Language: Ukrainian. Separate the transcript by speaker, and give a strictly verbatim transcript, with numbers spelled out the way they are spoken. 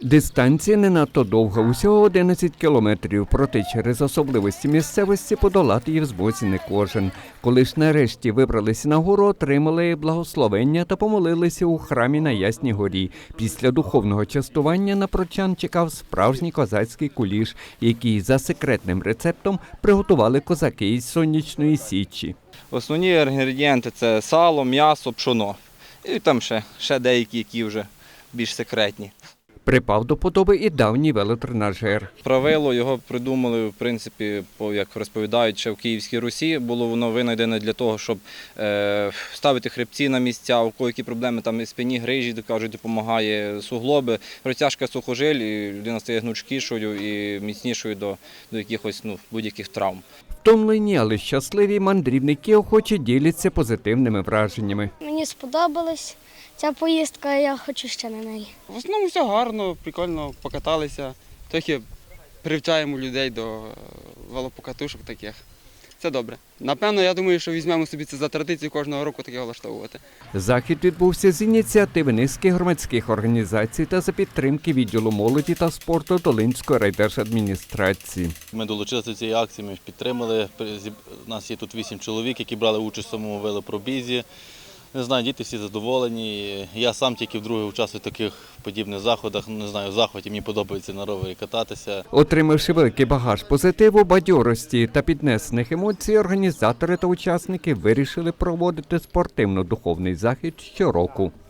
Speaker 1: Дистанція не надто довга, усього одинадцять кілометрів, проте через особливості місцевості подолати її в змозі не кожен. Коли ж нарешті вибралися на гору, отримали благословення та помолилися у храмі на Ясній горі. Після духовного частування на прочан чекав справжній козацький куліш, який за секретним рецептом приготували козаки із Сонячної Січі.
Speaker 2: Основні інгредієнти – це сало, м'ясо, пшоно. І там ще, ще деякі, які вже більш секретні.
Speaker 1: Припав до подоби і давній велотренажер.
Speaker 2: Правило його придумали, в принципі, по, як розповідають, ще в Київській Русі. Було воно винайдене для того, щоб е, ставити хребці на місця, у кого які проблеми там і спині, грижі, кажуть, допомагає суглоби, розтяжка сухожиль, і людина стає гнучкішою і міцнішою до, до якихось ну, будь-яких травм.
Speaker 1: Втомлені, але щасливі мандрівники охоче діляться позитивними враженнями.
Speaker 3: Мені сподобалась ця поїздка, я хочу ще на неї.
Speaker 4: В основному все гарно, прикольно покаталися, трохи привчаємо людей до велопокатушок таких. Це добре. Напевно, я думаю, що візьмемо собі це за традицію кожного року таке влаштовувати.
Speaker 1: Захід відбувся з ініціативи низки громадських організацій та за підтримки відділу молоді та спорту Долинської райдержадміністрації.
Speaker 5: Ми долучилися до цієї акції, ми підтримали. У нас є тут вісім чоловік, які брали участь в самому велопробізі. Не знаю, діти всі задоволені. Я сам тільки вдруге участвую в таких подібних заходах. Не знаю, в захваті мені подобається на ровері кататися.
Speaker 1: Отримавши великий багаж позитиву, бадьорості та піднесених емоцій, організатори та учасники вирішили проводити спортивно-духовний захід щороку.